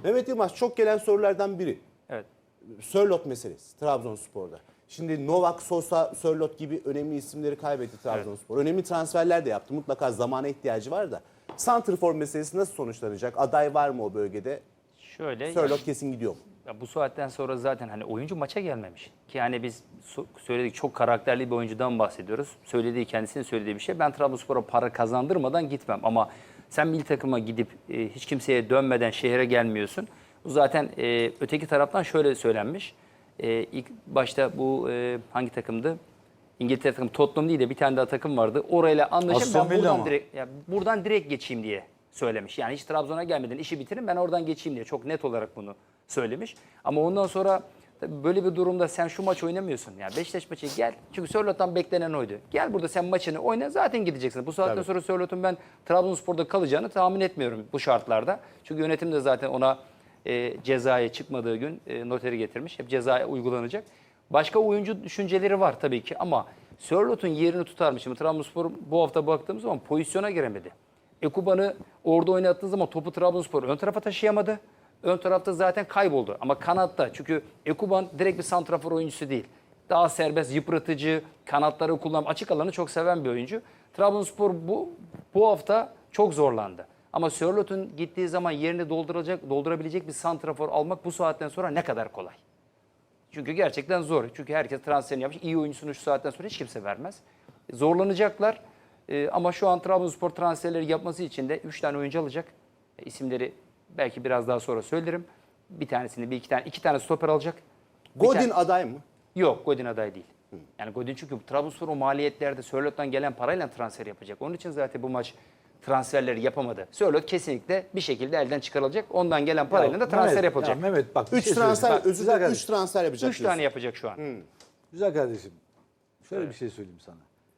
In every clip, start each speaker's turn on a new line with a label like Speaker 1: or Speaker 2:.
Speaker 1: Mehmet Yılmaz, çok gelen sorulardan biri.
Speaker 2: Evet.
Speaker 1: Sörloth meselesi Trabzonspor'da. Şimdi Novak, Sosa, Sörloth gibi önemli isimleri kaybetti Trabzonspor. Evet. Önemli transferler de yaptı. Mutlaka zamana ihtiyacı var da. Santrfor meselesi nasıl sonuçlanacak? Aday var mı o bölgede?
Speaker 2: Şöyle
Speaker 1: Sörloth kesin gidiyor mu?
Speaker 2: ya bu saatten sonra zaten hani oyuncu maça gelmemiş. Ki hani biz söyledik, çok karakterli bir oyuncudan bahsediyoruz. Kendisinin söylediği bir şey. Ben Trabzonspor'a para kazandırmadan gitmem. Ama sen milli takıma gidip hiç kimseye dönmeden şehre gelmiyorsun. Bu zaten öteki taraftan şöyle söylenmiş. İlk başta bu hangi takımdı? İngiltere takımı, Tottenham değil de bir tane daha takım vardı. Orayla anlaşıp ben buradan direkt geçeyim diye söylemiş. Yani hiç Trabzon'a gelmeden işi bitirin, ben oradan geçeyim diye çok net olarak bunu söylemiş. Ama ondan sonra tabii böyle bir durumda sen şu maç oynamıyorsun. Yani Beşiktaş maçı gel. Çünkü Sörloth'tan beklenen oydu. Gel burada sen maçını oyna, zaten gideceksin. Bu saatten sonra Sörloth'un ben Trabzonspor'da kalacağını tahmin etmiyorum bu şartlarda. Çünkü yönetim de zaten ona cezaya çıkmadığı gün noteri getirmiş. Hep cezaya uygulanacak. Başka oyuncu düşünceleri var tabii ki ama Sörloth'un yerini tutar mı? Şimdi Trabzonspor bu hafta baktığımız zaman pozisyona giremedi. Ekuban'ı orada oynattığı zaman topu Trabzonspor ön tarafa taşıyamadı. Ön tarafta zaten kayboldu. Ama kanatta, çünkü Ekuban direkt bir santrafor oyuncusu değil. Daha serbest, yıpratıcı, kanatları kullanıp açık alanı çok seven bir oyuncu. Trabzonspor bu hafta çok zorlandı. Ama Sörloth'un gittiği zaman yerini doldurabilecek bir santrafor almak bu saatten sonra ne kadar kolay. Çünkü gerçekten zor. Çünkü herkes transferini yapmış. İyi oyuncusunu şu saatten sonra hiç kimse vermez. Zorlanacaklar. Ama şu an Trabzonspor transferleri yapması için de 3 tane oyuncu alacak. İsimleri belki biraz daha sonra söylerim. Bir tanesini, iki tane stoper alacak.
Speaker 1: Godin aday mı?
Speaker 2: Yok, Godin aday değil. Yani Godin, çünkü Trabzonspor o maliyetlerde Sörloth'tan gelen parayla transfer yapacak. Onun için zaten bu maç transferleri yapamadı. Sörloth kesinlikle bir şekilde elden çıkarılacak. Ondan gelen parayla da transfer yapılacak.
Speaker 3: Mehmet bak,
Speaker 1: 3 transfer, özür dilerim, 3 transfer yapacak.
Speaker 2: 3 tane yapacak şu an.
Speaker 3: Güzel kardeşim. Şöyle bir şey söyleyeyim sana.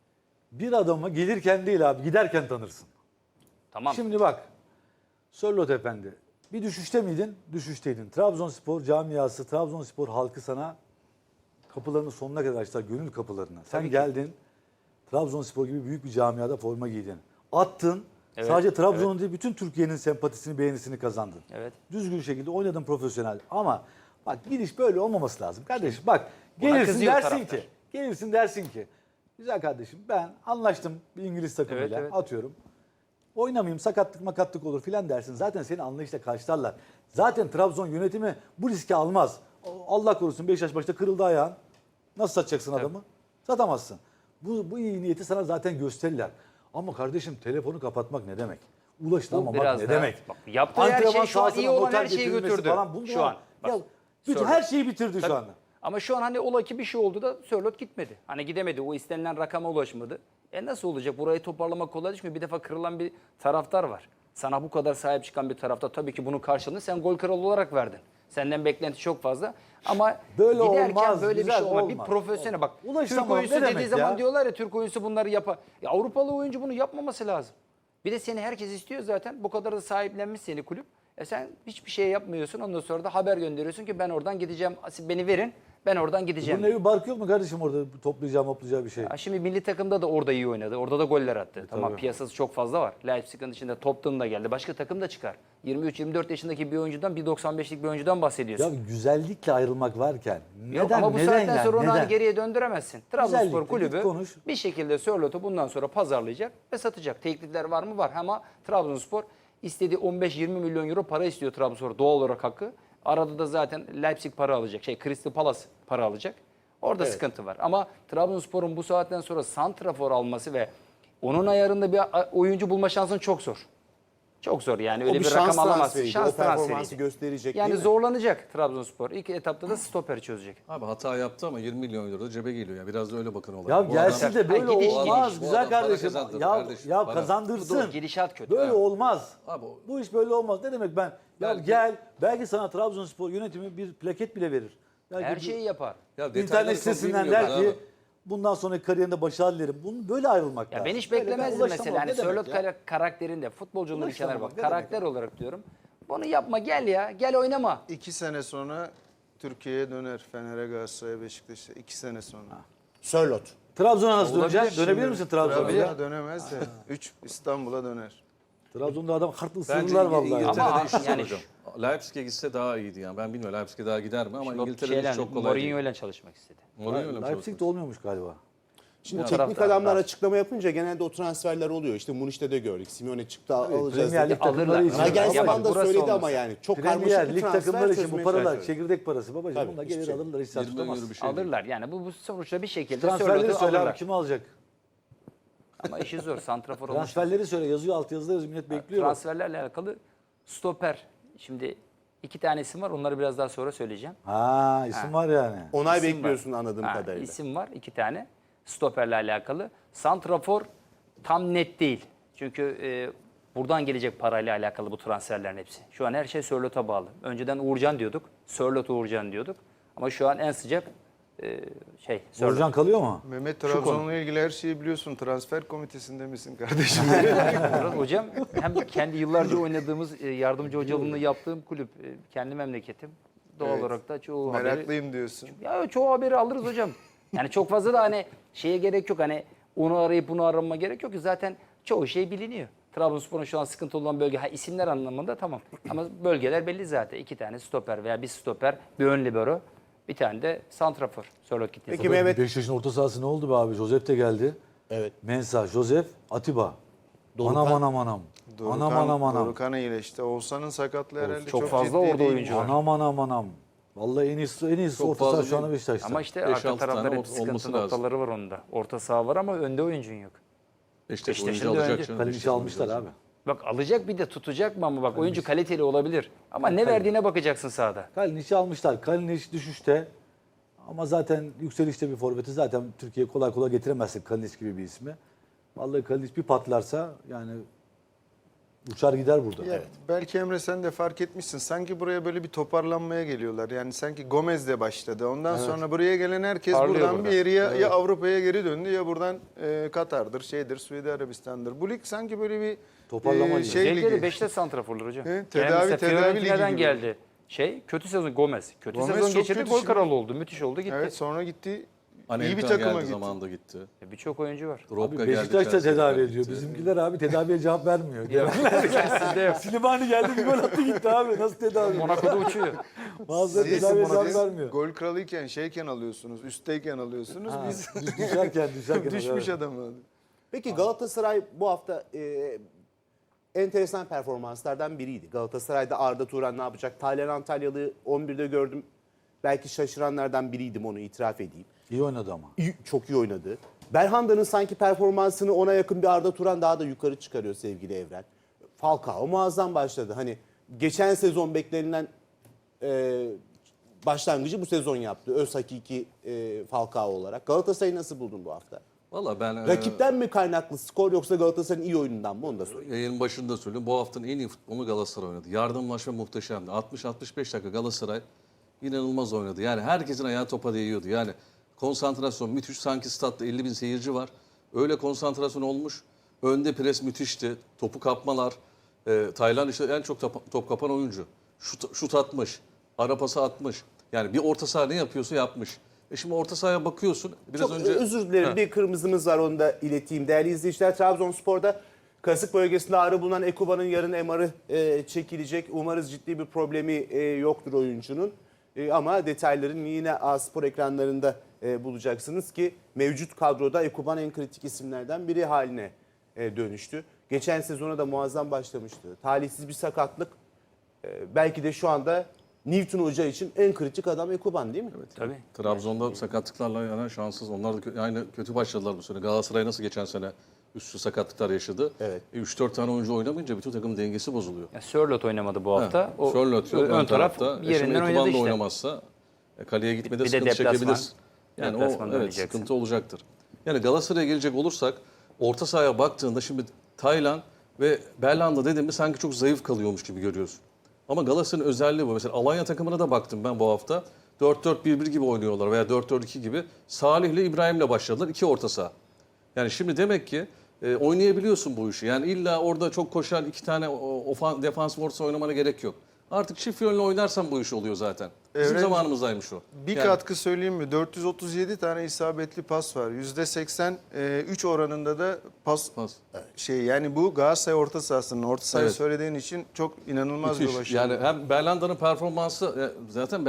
Speaker 3: Bir adamı gelirken değil abi, giderken tanırsın.
Speaker 2: Tamam.
Speaker 3: Şimdi bak, Sörloth Efendi, bir düşüşte miydin? Düşüşteydin. Trabzonspor camiası, Trabzonspor halkı sana kapılarını sonuna kadar açtılar, gönül kapılarına. Sen geldin, Trabzonspor gibi büyük bir camiada forma giydin. Attın, sadece Trabzon'un değil, bütün Türkiye'nin sempatisini, beğenisini kazandın.
Speaker 2: Evet.
Speaker 3: Düzgün şekilde oynadın, profesyonel. Ama bak, gidiş böyle olmaması lazım. Kardeşim bak,
Speaker 2: Ona kızıyor
Speaker 3: gelirsin dersin ki, güzel kardeşim, ben anlaştım bir İngiliz takımıyla,
Speaker 2: Evet.
Speaker 3: atıyorum. Oynamayayım, sakatlık olur filan dersin. Zaten seni anlayışla karşılarlar. Zaten Trabzon yönetimi bu riski almaz. Allah korusun, Beşiktaş başta kırıldı ayağın. Nasıl satacaksın adamı? Satamazsın. Bu iyi niyeti sana zaten gösterirler. Ama kardeşim, telefonu kapatmak ne demek? Ulaşılamamak ne demek?
Speaker 2: Bak, yaptığı her şey şu an iyi olan her şeyi
Speaker 3: getirilmesi
Speaker 2: götürdü.
Speaker 3: falan.
Speaker 2: Şu an. Bak,
Speaker 3: Bütün her şeyi bitirdi şu anda.
Speaker 2: Ama şu an hani ola ki bir şey oldu da Sörloth gitmedi. Hani gidemedi. O istenilen rakama ulaşmadı. Nasıl olacak? Burayı toparlamak kolay değil, çünkü bir defa kırılan bir taraftar var. Sana bu kadar sahip çıkan bir taraftar, tabii ki bunun karşılığını sen gol kralı olarak verdin. Senden beklenti çok fazla. Ama
Speaker 3: böyle
Speaker 2: giderken
Speaker 3: olmaz,
Speaker 2: böyle bir
Speaker 3: güzel,
Speaker 2: şey olmaz.
Speaker 3: olmaz.
Speaker 2: Bir profesyonel bak.
Speaker 3: Ulaşamam,
Speaker 2: Türk oyuncusu
Speaker 3: ne
Speaker 2: dediği
Speaker 3: demek
Speaker 2: zaman
Speaker 3: ya?
Speaker 2: diyorlar ya, Türk oyuncusu bunları yapar. Ya Avrupalı oyuncu bunu yapmaması lazım. Bir de seni herkes istiyor zaten. Bu kadar da sahiplenmiş seni kulüp. Sen hiçbir şey yapmıyorsun. Ondan sonra da haber gönderiyorsun ki ben oradan gideceğim. Beni verin. Ben oradan gideceğim.
Speaker 3: Bunun evi barkı yok mu kardeşim orada toplayacağı bir şey?
Speaker 2: Şimdi milli takımda da orada iyi oynadı. Orada da goller attı. Tamam, piyasası çok fazla var. Leipzig'in içinde Tottenham da geldi. Başka takım da çıkar. 23-24 yaşındaki bir oyuncudan, 1.95'lik bir oyuncudan bahsediyorsun.
Speaker 3: Ya güzellikle ayrılmak varken
Speaker 2: Yok,
Speaker 3: neden?
Speaker 2: ama bu saatten sonra onu hani geriye döndüremezsin. Trabzonspor
Speaker 3: Güzellikle
Speaker 2: kulübü
Speaker 3: git konuş.
Speaker 2: bir şekilde Sörloth'u bundan sonra pazarlayacak ve satacak. Teklifler var mı? Var. Ama Trabzonspor istediği 15-20 milyon euro para istiyor Trabzonspor, doğal olarak hakkı. Arada da zaten Leipzig para alacak. Crystal Palace para alacak. Orada sıkıntı var. Ama Trabzonspor'un bu saatten sonra santrafor alması ve onun ayarında bir oyuncu bulma şansın çok zor. Çok zor yani, öyle bir rakam alamaz.
Speaker 1: Şans performansı gösterecek,
Speaker 2: yani
Speaker 1: değil mi?
Speaker 2: zorlanacak Trabzonspor. İlk etapta da stoperi çözecek.
Speaker 4: Abi hata yaptı ama 20 milyon euro da cebe geliyor ya. Biraz da öyle bakın olaya.
Speaker 3: Ya gelsin de böyle
Speaker 2: gidiş,
Speaker 3: olmaz
Speaker 2: gidiş.
Speaker 4: Bu
Speaker 3: güzel
Speaker 4: adam para
Speaker 3: kardeşim.
Speaker 4: kazandırır
Speaker 3: Ya
Speaker 4: kardeşim, para.
Speaker 3: kazandırsın.
Speaker 2: Dur, gidişat kötü.
Speaker 3: Böyle
Speaker 2: Evet.
Speaker 3: olmaz.
Speaker 4: Abi,
Speaker 3: Bu iş böyle olmaz. Ne demek ben? Ya
Speaker 4: Belki-
Speaker 3: gel, belki sana Trabzonspor yönetimi bir plaket bile verir. Belki
Speaker 2: Her şeyi yapar.
Speaker 4: Ya
Speaker 3: İnternet
Speaker 4: detayları çok
Speaker 3: sitesinden
Speaker 4: bilmiyorlar
Speaker 3: der ki
Speaker 4: abi.
Speaker 3: bundan sonraki kariyerinde başarılı dilerim. Bunu böyle ayrılmak
Speaker 2: Ya
Speaker 3: lazım.
Speaker 2: ben hiç
Speaker 3: Böyle
Speaker 2: beklemezdim
Speaker 3: ulaşamam.
Speaker 2: mesela. Hani
Speaker 3: Ne demek
Speaker 2: Sörloth
Speaker 3: ya?
Speaker 2: karakterinde, futbolcunun bir kenara
Speaker 3: Ulaşamamak
Speaker 2: bak.
Speaker 3: ne demek
Speaker 2: Karakter olarak diyorum. Bunu yapma, gel ya. Gel oynama.
Speaker 5: 2 sene sonra Türkiye'ye döner. Fener'e, Galatasaray'a, Beşiktaş'a 2 sene sonra.
Speaker 1: Sörloth.
Speaker 3: Trabzon'a nasıl
Speaker 2: Olabilir.
Speaker 3: döneceksin? Dönebilir misin Trabzon'a?
Speaker 5: Trabzon'a dönemez de 3 İstanbul'a döner.
Speaker 3: Trabzon'da adam kartlı
Speaker 4: Bence
Speaker 3: ısırırlar vallahi.
Speaker 4: İngiltere'de
Speaker 2: Ama
Speaker 4: işi zor
Speaker 2: yani
Speaker 4: hocam. Leipzig'e gitse daha iyiydi yani. Ben bilmiyorum Leipzig'e daha gider mi ama
Speaker 2: Şimdi o
Speaker 4: İngiltere'de çok kolay değil.
Speaker 2: Mourinho ile çalışmak istedi.
Speaker 4: Mourinho'yla mı
Speaker 3: Leipzig'te olmuyormuş galiba.
Speaker 1: Şimdi
Speaker 2: Bu
Speaker 1: teknik
Speaker 2: taraftar
Speaker 1: adamlar
Speaker 2: var.
Speaker 1: açıklama yapınca genelde o transferler oluyor. İşte Muniş'te de gördük. Simeone çıktı alacağız
Speaker 3: Premier
Speaker 1: dedi.
Speaker 3: Lig takımları
Speaker 2: Alırlar.
Speaker 3: için.
Speaker 1: Nagelsmann da
Speaker 2: Burası
Speaker 1: söyledi
Speaker 2: olmasa.
Speaker 1: ama yani. Çok
Speaker 3: Premier
Speaker 1: karmaşık bir
Speaker 3: Lig
Speaker 1: transfer
Speaker 3: takımları için bu
Speaker 1: çözmeye
Speaker 3: paralar
Speaker 1: çalışıyor.
Speaker 3: çekirdek parası babacığım.
Speaker 1: Tabii,
Speaker 3: Bunlar
Speaker 1: hiçbir
Speaker 3: gelir
Speaker 1: şey.
Speaker 3: alırlar hiç saç
Speaker 4: 20 milyon
Speaker 3: tutamaz.
Speaker 4: bir şey.
Speaker 2: Alırlar yani bu sonuçta bir şekilde
Speaker 3: Transferleri
Speaker 2: Sörlot'u
Speaker 3: söyle abi
Speaker 2: alırlar.
Speaker 3: kim alacak?
Speaker 2: Ama işi zor. Santrafor olmuş.
Speaker 3: Transferleri söyle yazıyor altyazıda yazıyor millet bekliyor. bak.
Speaker 2: Transferlerle alakalı stoper. Şimdi 2 tane isim var. Onları biraz daha sonra söyleyeceğim.
Speaker 3: Ha isim var yani.
Speaker 1: Onay
Speaker 2: İsim
Speaker 1: bekliyorsun
Speaker 2: var.
Speaker 1: anladığım kadarıyla.
Speaker 2: İsim var 2 tane. Stoperle alakalı. Santrafor tam net değil. Çünkü buradan gelecek parayla alakalı bu transferlerin hepsi. Şu an her şey Sörlot'a bağlı. Önceden Uğurcan diyorduk. Sörlot Uğurcan diyorduk. Ama şu an en sıcak Sörlot.
Speaker 3: Uğurcan kalıyor mu?
Speaker 5: Mehmet Trabzon'la ilgili her şeyi biliyorsun. Transfer komitesinde misin kardeşim?
Speaker 2: Murat Hocam hem kendi yıllarca oynadığımız yardımcı hocalığını yaptığım kulüp kendi memleketim. Doğal
Speaker 5: Evet.
Speaker 2: olarak da çoğu haberi
Speaker 5: Meraklıyım diyorsun.
Speaker 2: ya çoğu haberi alırız hocam. Yani çok fazla da hani şeye gerek yok. Hani onu arayıp bunu arama gerek yok ki zaten çoğu şey biliniyor. Trabzonspor'un şu an sıkıntı olan bölge isimler anlamında tamam. Ama bölgeler belli zaten. 2 tane stoper veya bir stoper, bir ön libero, bir tane de santrafor. Sörlot gittiği
Speaker 1: Peki
Speaker 2: zaman.
Speaker 1: Mehmet,
Speaker 3: Beşiktaş'ın orta sahası ne oldu be abi? Josep de geldi.
Speaker 1: evet.
Speaker 3: Mensah, Josep, Atiba.
Speaker 1: Dorukan.
Speaker 3: Anam.
Speaker 5: Dorukan iyileşti. Oğuzhan'ın sakatlığı herhalde
Speaker 2: çok
Speaker 5: çok
Speaker 2: fazla
Speaker 5: ciddi
Speaker 2: orada
Speaker 5: değil.
Speaker 2: oyuncu var.
Speaker 3: Anam. Vallahi en iyisi
Speaker 4: Çok
Speaker 3: orta saha
Speaker 4: fazla
Speaker 3: şu anda
Speaker 4: değil.
Speaker 3: Beşiktaş'ta.
Speaker 2: Ama işte
Speaker 4: 5-6
Speaker 2: arka tarafta
Speaker 4: tane
Speaker 2: hep sıkıntı
Speaker 4: olması lazım.
Speaker 2: noktaları var onda. Orta saha var ama önde oyuncun yok.
Speaker 4: Beşiktaş
Speaker 2: Beşiktaş'ın
Speaker 4: oyuncu
Speaker 2: da
Speaker 4: alacak
Speaker 2: önce
Speaker 4: canım.
Speaker 3: Kalinic'i
Speaker 4: Beşiktaş
Speaker 3: almışlar
Speaker 4: oyuncu
Speaker 3: abi.
Speaker 4: alacak.
Speaker 2: Bak alacak bir de tutacak mı ama bak oyuncu kaliteli olabilir. Ama ne verdiğine bakacaksın sahada.
Speaker 3: Kalinic'i almışlar. Kalinic düşüşte. Ama zaten yükselişte bir forveti zaten Türkiye kolay kolay getiremezsin Kalinic gibi bir ismi. Vallahi Kalinic bir patlarsa yani uçar gider burada.
Speaker 5: Ya, belki Emre sen de fark etmişsin. Sanki buraya böyle bir toparlanmaya geliyorlar. Yani sanki Gomez de başladı. Ondan sonra buraya gelen herkes
Speaker 2: Parlıyor
Speaker 5: buradan
Speaker 2: burada.
Speaker 5: bir yere ya Avrupa'ya geri döndü ya buradan Katar'dır, Suudi Arabistan'dır. Bu lig sanki böyle bir
Speaker 3: Toparlama ligi.
Speaker 5: şey
Speaker 2: Özellikle de
Speaker 5: ligi.
Speaker 2: Beşiktaş santraforlar hocam.
Speaker 5: Evet,
Speaker 2: Yani
Speaker 5: tedavi
Speaker 2: mesela
Speaker 5: ligi
Speaker 2: Fiorentina'dan
Speaker 5: gibi.
Speaker 2: geldi. Kötü sezon Gomez. Kötü
Speaker 5: Gomez
Speaker 2: sezon
Speaker 5: çok
Speaker 2: geçirdi
Speaker 5: kötü
Speaker 2: gol
Speaker 5: şimdi.
Speaker 2: kralı oldu. Müthiş oldu gitti.
Speaker 5: Evet, sonra gitti. İyi bir
Speaker 4: Anelka
Speaker 5: takıma
Speaker 4: geldi
Speaker 5: gitti.
Speaker 4: zamanında gitti.
Speaker 2: Birçok oyuncu var.
Speaker 4: Drogba
Speaker 3: Abi
Speaker 4: geldi.
Speaker 3: Beşiktaş da
Speaker 4: Chelsea'ye
Speaker 3: tedavi
Speaker 4: gitti.
Speaker 3: ediyor. Bizimkiler abi tedaviye cevap vermiyor.
Speaker 2: Sizde yok.
Speaker 3: Silimani geldi bir gol attı gitti abi. Nasıl tedavi?
Speaker 2: Monaco'da uçuyor.
Speaker 3: Bazıları
Speaker 5: Siz
Speaker 3: tedaviye cevap
Speaker 5: siz
Speaker 3: vermiyor.
Speaker 5: gol kralıyken şeyken alıyorsunuz, üstteyken alıyorsunuz.
Speaker 3: Ha,
Speaker 5: Biz
Speaker 3: düşerken
Speaker 5: düşmüş
Speaker 3: evet.
Speaker 5: adamı.
Speaker 1: Peki Galatasaray bu hafta enteresan performanslardan biriydi. Galatasaray'da Arda Turan ne yapacak? Taylan Antalyalı 11'de gördüm. Belki şaşıranlardan biriydim, onu itiraf edeyim.
Speaker 3: İyi oynadı ama.
Speaker 1: Çok iyi oynadı. Belhanda'nın sanki performansını ona yakın bir Arda Turan daha da yukarı çıkarıyor sevgili Evren. Falcao muazzam başladı. Hani geçen sezon beklenilen başlangıcı bu sezon yaptı. Öz hakiki Falcao olarak. Galatasaray'ı nasıl buldun bu hafta?
Speaker 4: Valla ben
Speaker 1: Rakipten mi kaynaklı skor yoksa Galatasaray'ın iyi oyunundan mı, onu da sorayım.
Speaker 4: yayının başında söylüyorum. Bu haftanın en iyi futbolunu Galatasaray oynadı. Yardımlaşma muhteşemdi. 60-65 dakika Galatasaray inanılmaz oynadı. Yani herkesin ayağı topa değiyordu. Yani konsantrasyon müthiş. Sanki statta 50 bin seyirci var. Öyle konsantrasyon olmuş. Önde pres müthişti. Topu kapmalar. Taylan işte en çok top kapan oyuncu. Şut atmış. Ara pası atmış. Yani bir orta saha ne yapıyorsa yapmış. Şimdi orta sahaya bakıyorsun. Biraz
Speaker 1: Çok
Speaker 4: önce
Speaker 1: özür dilerim, bir kırmızımız var, onu da ileteyim. Değerli izleyiciler, Trabzonspor'da kasık bölgesinde ağrı bulunan Ekuba'nın yarın MR'ı çekilecek. Umarız ciddi bir problemi yoktur oyuncunun. Ama detaylarını yine A-Spor ekranlarında bulacaksınız ki mevcut kadroda Ekuban en kritik isimlerden biri haline dönüştü. Geçen sezona da muazzam başlamıştı. Talihsiz bir sakatlık. Belki de şu anda Newton Hoca için en kritik adam Ekuban, değil mi? Evet.
Speaker 2: Tabii.
Speaker 4: Trabzon'da sakatlıklarla yani şanssız. Onlar da aynı kötü başladılar bu sene. Galatasaray nasıl geçen sene üstü sakatlıklar yaşadı.
Speaker 1: Evet.
Speaker 4: 3-4 tane oyuncu oynamayınca bütün takımın dengesi bozuluyor.
Speaker 2: Ya Sörlot oynamadı bu hafta. O
Speaker 4: Sörloth yok
Speaker 2: ön taraf
Speaker 4: tarafta.
Speaker 2: yerinden
Speaker 4: Şimdi
Speaker 2: oynadı
Speaker 4: Ekuban da
Speaker 2: işte.
Speaker 4: oynamazsa kaleye gitmede
Speaker 2: Bir de
Speaker 4: sıkıntı
Speaker 2: deplasman.
Speaker 4: çekebilir. Yani
Speaker 2: Deplasmanda
Speaker 4: evet,
Speaker 2: oynayacaksın.
Speaker 4: sıkıntı olacaktır. Yani Galatasaray'a gelecek olursak orta sahaya baktığında şimdi Taylan ve Belhanda dediğimde sanki çok zayıf kalıyormuş gibi görüyorsun. Ama Galatasaray'ın özelliği bu. Mesela Alanya takımına da baktım ben bu hafta. 4-4-1-1 gibi oynuyorlar veya 4-4-2 gibi. Salih ile İbrahim'le başladılar. 2 orta saha. Yani şimdi demek ki oynayabiliyorsun bu işi. Yani illa orada çok koşan 2 tane defansif orta saha oynamana gerek yok. Artık çift yönlü oynarsan bu iş oluyor zaten. Bizim
Speaker 5: Evren-
Speaker 4: zamanımızdaymış o.
Speaker 5: Bir
Speaker 4: Yani
Speaker 5: katkı söyleyeyim mi? 437 tane isabetli pas var. %83 oranında da pas
Speaker 4: Pas.
Speaker 5: yani bu Galatasaray orta sahasının orta sahayı
Speaker 4: Evet.
Speaker 5: söylediğin için çok inanılmaz bir
Speaker 4: müthiş.
Speaker 5: başarı.
Speaker 4: Yani hem Berlanda'nın performansı zaten